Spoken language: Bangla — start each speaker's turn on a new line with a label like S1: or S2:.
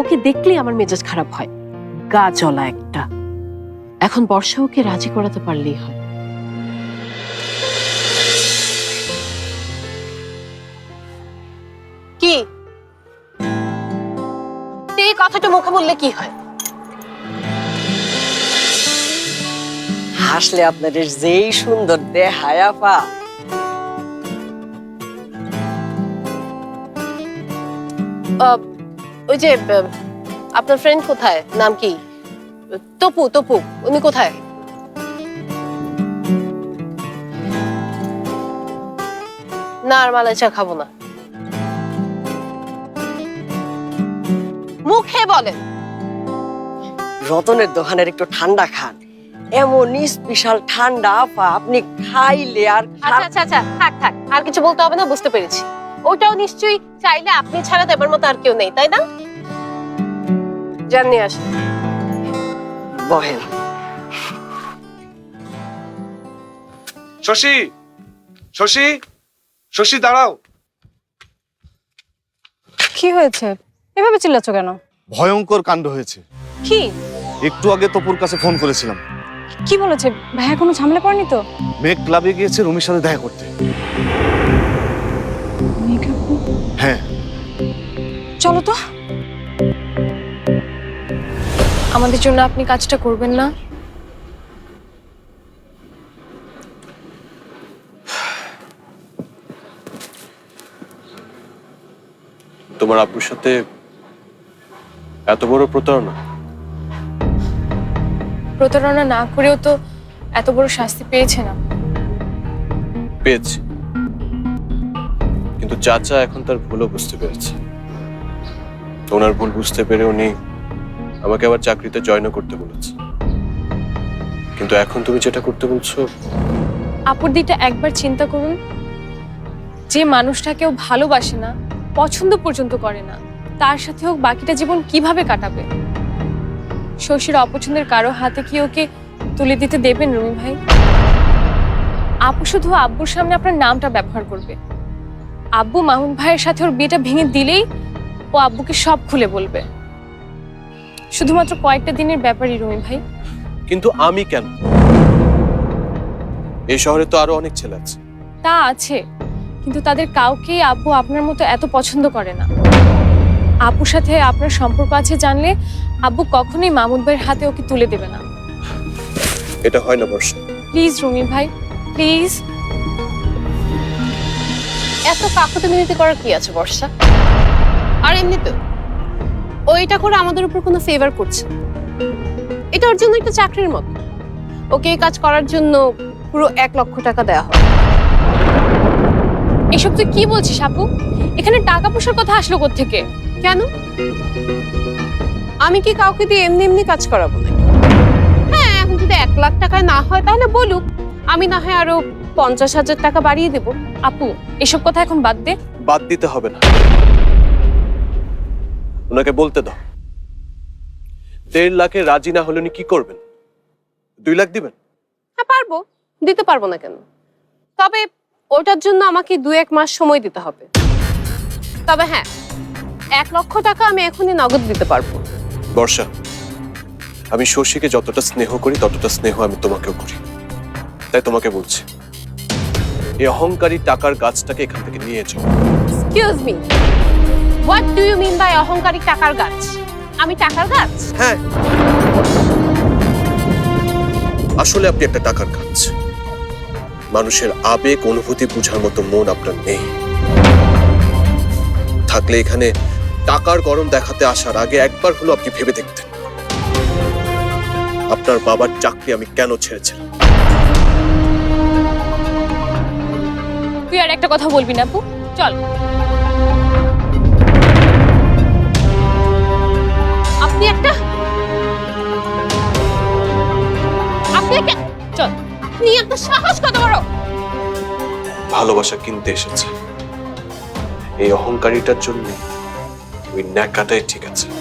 S1: ওকে দেখলেই আমার মেজাজ খারাপ হয়, গা জ্বলা একটা। এখন বর্ষা ওকে রাজি করাতে পারলেই হয়।
S2: কি এই কথাটা মুখে বললে কি হয়?
S3: হাসলে আপনাদের যেই সুন্দর দেখায় আপা।
S2: ওই যে আপনার ফ্রেন্ড কোথায়, নাম কি? তপু, তপু উনি কোথায়? না আর মালাই চা খাবো না। মুখে বলেন।
S3: রতনের দোকানের একটু ঠান্ডা খান, এমন স্পেশাল ঠান্ডা আপা, আপনি খাইলে আর
S2: আচ্ছা আচ্ছা আচ্ছা, থাক থাক, আর কিছু বলতে হবে না, বুঝতে পেরেছি। ওটাও নিশ্চয়ই চাইলে আপনি ছাড়া দেবার মতো আর কেউ নেই, তাই না? জানিয়ে আসেন।
S3: বহেন।
S4: শশী, শশী, শশী দাঁড়াও।
S5: কি হয়েছে? এভাবে চিল্লাচ্ছ কেন?
S6: ভয়ঙ্কর কাণ্ড হয়েছে।
S5: কি?
S6: একটু আগে তপুর কাছে ফোন করেছিলাম।
S5: কি বলেছে? ভাইয়া কোনো ঝামেলা পড়েনি তো?
S6: মেঘ ক্লাবে গিয়েছে রুমির সাথে দেখা করতে। হ্যাঁ,
S5: চলো তো। আমাদের জন্য আপনি কাজটা করবেন না?
S7: তোমার আব্বুর সাথে এত বড় প্রতারণা?
S5: প্রতারণা না করেও তো এত বড় শাস্তি পেয়েছে না?
S7: পেয়েছি, কিন্তু চাচা এখন তার ভুলও বুঝতে পেরেছে। ওনার ভুল বুঝতে পেরে উনি আমাকে আবার চাকরিতে জয়েন করতে বলেছে। কিন্তু এখন তুমি যেটা করতে বলছো,
S5: আপুর দিকটা একবার চিন্তা করুন। যে মানুষটা কেউ ভালোবাসে না, পছন্দ পর্যন্ত করে না, তার সাথে হোক বাকিটা জীবন কিভাবে কাটাবে? শশীর অপছন্দের কারো হাতে কি ওকে তুলে দিতে দেবেন রুমি ভাই? আপু শুধু আব্বুর সামনে আপনার নামটা ব্যবহার করবে। আব্বু মামুন ভাইয়ের সাথে ওর বিয়েটা ভেঙে দিলেই ও আব্বুকে সব খুলে বলবে। শুধুমাত্র কয়েকটা দিনের ব্যাপারই রুমি ভাই।
S7: কিন্তু আমি কেন? এই শহরে তো আরো অনেক ছেলে আছে।
S5: তা আছে, কিন্তু তাদের কাউকেই আব্বু আপনার মতো এত পছন্দ করে না। আপুর সাথে আপনার সম্পর্ক আছে জানলে আব্বু কখনোই মামুন ভাইয়ের হাতে ওকে তুলে দেবে না।
S7: এটা হয় না বর্ষা।
S5: প্লিজ রুমি ভাই, প্লিজ।
S2: এত কাকুতি মিনতি করার কি আছে বর্ষা? আর এমনি তো ওইটা করে আমাদের উপর কোনো ফেভার করছে না। এটা ওর জন্য একটা চাকরির মতো। ওকে এই কাজ করার জন্য পুরো 1 লক্ষ টাকা দেওয়া হবে।
S5: এসব তুই কি বলছিস আপু? এখানে টাকা পয়সার কথা আসলো কোত্থেকে?
S2: কেন? আমি কি কাউকে দিয়ে এমনি এমনি কাজ করাবো না? হ্যাঁ, এখন যদি 1 লাখ টাকায় না হয় তাহলে বলুক, আমি না হয় আরো 50,000 টাকা বাড়িয়ে দেবো।
S5: আপু এসব কথা এখন বাদ দে।
S7: বাদ দিতে হবে না, ওনাকে বলতে দাও। 1.5 লাখে রাজি না হলে উনি কি করবেন? 2 লাখ দিবেন?
S2: হ্যাঁ পারবো, দিতে পারবো না কেন? তবে ওটার জন্য আমাকে 2-1 মাস সময় দিতে হবে। তবে হ্যাঁ, 1 লক্ষ টাকা আমি এখনই নগদ দিতে পারবো।
S7: বর্ষা, আমি শশীকে যতটা স্নেহ করি ততটা স্নেহ আমি তোমাকেও করি। তাই তোমাকে বলছি, এই অহংকারী টাকার গাছটাকে এখান থেকে নিয়ে যাও।
S2: Excuse me, what do you mean by অহংকারী টাকার গাছ? আমি টাকার গাছ?
S7: হ্যাঁ, আসলে আপনি একটা টাকার গাছ। মানুষের আবেগ অনুভূতি বোঝার মতো মন আপনার নেই। থাকলে এখানে টাকার গরম দেখাতে আসার আগে একবার হলো আপনি ভেবে দেখতেন আপনার বাবার চাকরি আমি কেন ছেড়েছিলাম।
S5: তুই আর একটা কথা বলবি না আপু, চল।
S2: আপনি একটা
S5: চল।
S2: আপনি একটা সাহস কত বড়!
S7: ভালোবাসা কিনতে এসেছে, এই অহংকারীটার জন্য ওই ন্যাকাটাই ঠিক আছে।